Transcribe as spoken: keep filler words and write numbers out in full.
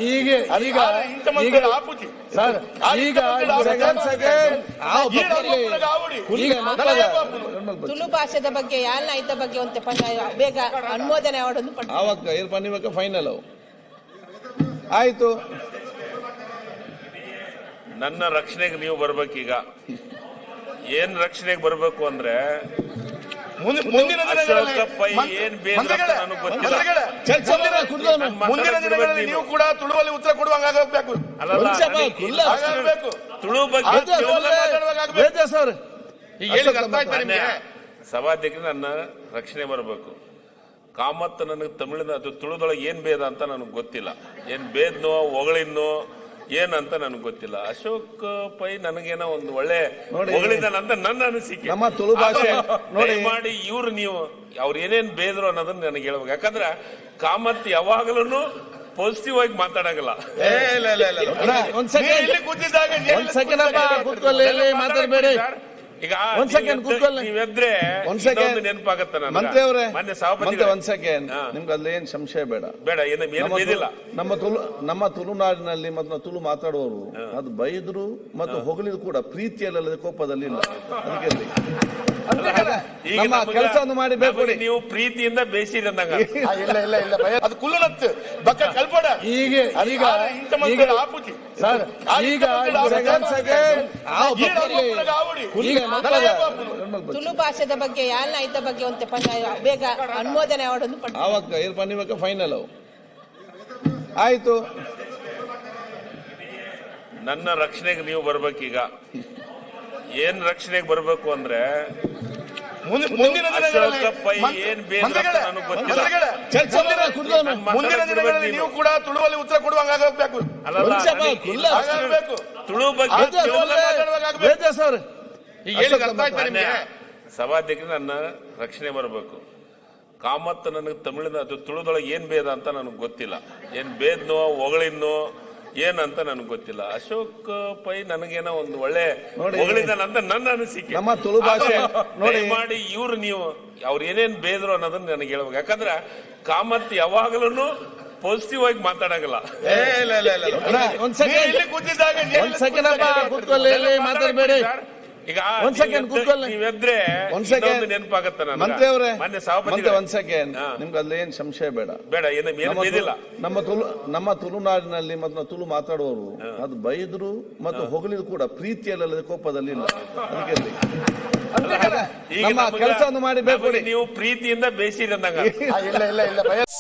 ಈಗ ಈಗ ಆಪುಜಿ ಸರ್ ಈಗ ತುಳು ಭಾಷೆದ ಬಗ್ಗೆ ಯಾಲ್ನ ಐತ ಬಗ್ಗೆ ಒಂತೆ ಬೇಗ ಅನುಮೋದನೆ ಅವಡನ್ನು ಪಡ್ತಾರೆ ಆವಾಗ ಇರ್ ಪನ್ನಿಮಕ್ಕ ಫೈನಲ್ ಅವು ಆಯ್ತು. ನನ್ನ ರಕ್ಷಣೆಗೆ ನೀವು ಬರ್ಬೇಕೀಗ. ಏನ್ ರಕ್ಷಣೆಗೆ ಬರ್ಬೇಕು ಅಂದ್ರೆ ಮುಂದಿನ ಏನ್ ಮುಂದಿನ ದಿನಗಳಲ್ಲಿ ನೀವು ಕೂಡ ತುಳುವಲ್ಲಿ ಉತ್ತರ ಕೊಡುವಂಗಾಗಬೇಕು. ತುಳು ಬಗ್ಗೆ ಸಭಾಧ್ಯಕ್ಷರು ನನ್ನ ರಕ್ಷಣೆ ಬರಬೇಕು. ಕಾಮತ್ ನನಗೆ ತಮಿಳಿನ ಅದು ತುಳುದೊಳಗೆ ಏನ್ ಭೇದ ಅಂತ ನನಗೆ ಗೊತ್ತಿಲ್ಲ. ಏನ್ ಭೇದ್ನೋ ಹೊಗಳಿನೋ ಏನಂತ ನನಗೆ ಗೊತ್ತಿಲ್ಲ. ಅಶೋಕ್ ಪೈ ನನಗೇನೋ ಒಂದು ಒಳ್ಳೆ ಹೊಗಳಿದಾನಂತ ನನ್ನ ಅನಿಸಿಕೆ. ನಮ್ಮ ತುಳು ಭಾಷೆ ನೋಡಿ ಮಾಡಿ ಇವ್ರು ನೀವು ಅವ್ರು ಏನೇನ್ ಬೇದ್ರು ಅನ್ನೋದನ್ನ ನನಗೆ ಹೇಳ್ಬೇಕು. ಯಾಕಂದ್ರೆ ಕಾಮತ್ ಯಾವಾಗಲೂ ಪಾಸಿಟಿವ್ ಆಗಿ ಮಾತಾಡಂಗಿಲ್ಲ. ಮಾತಾಡಬೇಡಿ ಈಗ ಒಂದ್ ಸೆಕೆಂಡ್ ಕೂತ್ಕೊಳ್ಳಿ. ನೀವೆದ್ರೆ ಒಂದ್ ಸೆಕೆಂಡ್ ನೆನಪಾಗತ್ತ ಮಂತ್ರಿ ಅವರೇ, ಮೊನ್ನೆ ಸಭಾಪತಿ ಒಂದ್ ಸೆಕೆಂಡ್ ನಿಮ್ಗೆ ಅಲ್ಲಿ ಏನ್ ಸಂಶಯ ಬೇಡ ಬೇಡ ಏನು ಬೇದಿಲ್ಲ. ನಮ್ಮ ತುಳು ನಮ್ಮ ತುಳುನಾಡಿನಲ್ಲಿ ಮತ್ತು ತುಳು ಮಾತಾಡುವವರು ಅದು ಬೈದ್ರು ಮತ್ತು ಹೊಗಳಿದ್ರು ಕೂಡ ಪ್ರೀತಿಯಲ್ಲದೆ ಕೋಪದಲ್ಲಿ ಇಲ್ಲ. ಅದಕ್ಕೆ ನಮ್ಮ ಕೆಲಸವನ್ನು ಮಾಡಿ ಬೇಕು. ನೀವು ಪ್ರೀತಿಯಿಂದ ಬೇಸಿರಿ ಅಂದಾಗ ಇಲ್ಲ ಇಲ್ಲ ಇಲ್ಲ ಅದು ಕುಲ್ಲುನತ್ತು ಬಕ್ಕ ಕಲ್ಪಡ ಈಗ ಈಗ ಆಪುಜಿ ಸರ್ ಈಗ ತುಳು ಭಾಷೆದ ಬಗ್ಗೆ ಯಾಲ್ನ ಐತ ಬಗ್ಗೆ ಒಂತೆ ಬೇಗ ಅನುಮೋದನೆ ಅವಡನ್ನು ಪಡ್ತಾರೆ ಆವಾಗ ಇರ್ ಪನ್ನಿಮಕ್ಕ ಫೈನಲ್ ಅವು ಆಯ್ತು. ನನ್ನ ರಕ್ಷಣೆಗೆ ನೀವು ಬರ್ಬೇಕೀಗ. ಏನ್ ರಕ್ಷಣೆಗೆ ಬರ್ಬೇಕು ಅಂದ್ರೆ ಮುಂದಿನ ಏನ್ ಬೇಡ ನನಗೆ ಗೊತ್ತಿಲ್ಲ. ಮುಂದಿನ ದಿನಗಳಲ್ಲಿ ನೀವು ಕೂಡ ತುಳುವಲ್ಲಿ ಉತ್ತರ ಕೊಡುವಂಗಾಗಬೇಕು. ತುಳು ಬಗ್ಗೆ ಸರ್ ಸಭಾಧ್ಯಕ್ಷರು ನನ್ನ ರಕ್ಷಣೆ ಬರಬೇಕು. ಕಾಮತ್ ನನಗೆ ತಮಿಳಿನ ಅದು ತುಳುದೊಳಗೆ ಏನ್ ಭೇದ ಅಂತ ನನಗೆ ಗೊತ್ತಿಲ್ಲ. ಏನ್ ಭೇದ್ನೋ ಹೊಗಳಿನೋ ಏನಂತ ನನಗೆ ಗೊತ್ತಿಲ್ಲ. ಅಶೋಕ್ ಪೈ ನನಗೇನೋ ಒಂದು ಒಳ್ಳೆ ಹೊಗಳಿದಾನಂತ ನನ್ನ ಅನಿಸಿಕೆ. ನಮ್ಮ ತುಳು ಭಾಷೆ ನೋಡಿ ಮಾಡಿ ಇವ್ರು ನೀವು ಅವ್ರು ಏನೇನ್ ಬೇದ್ರು ಅನ್ನೋದನ್ನ ನನಗೆ ಹೇಳ್ಬೇಕು. ಯಾಕಂದ್ರೆ ಕಾಮತ್ ಯಾವಾಗಲೂ ಪಾಸಿಟಿವ್ ಆಗಿ ಮಾತಾಡಂಗಿಲ್ಲ. ಒಂದ್ ಸೆಕೆಂಡ್ ಒಂದ್ ಸೆಕೆಂಡ್ ಕೂತ್ಕೊಳ್ಳಿ, ಮಾತಾಡಬೇಡಿ. ಈಗ ಒಂದ್ ಸೆಕೆಂಡ್ ಕೂತ್ಕೊಳ್ಳಿ. ನೀವೆದ್ರೆ ಒಂದ್ ಸೆಕೆಂಡ್ ನೆನಪಾಗತ್ತ ಮಂತ್ರಿ ಅವರೇ, ಮೊನ್ನೆ ಸಭಾಪತಿ ಒಂದ್ ಸೆಕೆಂಡ್ ನಿಮ್ಗೆ ಅಲ್ಲಿ ಏನ್ ಸಂಶಯ ಬೇಡ ಬೇಡ ಏನು ಬೇದಿಲ್ಲ. ನಮ್ಮ ತುಳು ನಮ್ಮ ತುಳುನಾಡಿನಲ್ಲಿ ಮತ್ತು ತುಳು ಮಾತಾಡುವವರು ಅದು ಬೈದ್ರು ಮತ್ತು ಹೊಗಳಿದ್ರು ಕೂಡ ಪ್ರೀತಿಯಲ್ಲದೆ ಕೋಪದಲ್ಲಿ ಇಲ್ಲ. ಅದಕ್ಕೆ ನಮ್ಮ ಕೆಲಸವನ್ನು ಮಾಡಿ ಬೇಕು. ನೀವು ಪ್ರೀತಿಯಿಂದ ಬೇಸಿರಿ ಅಂದಾಗ ಇಲ್ಲ ಇಲ್ಲ ಇಲ್ಲ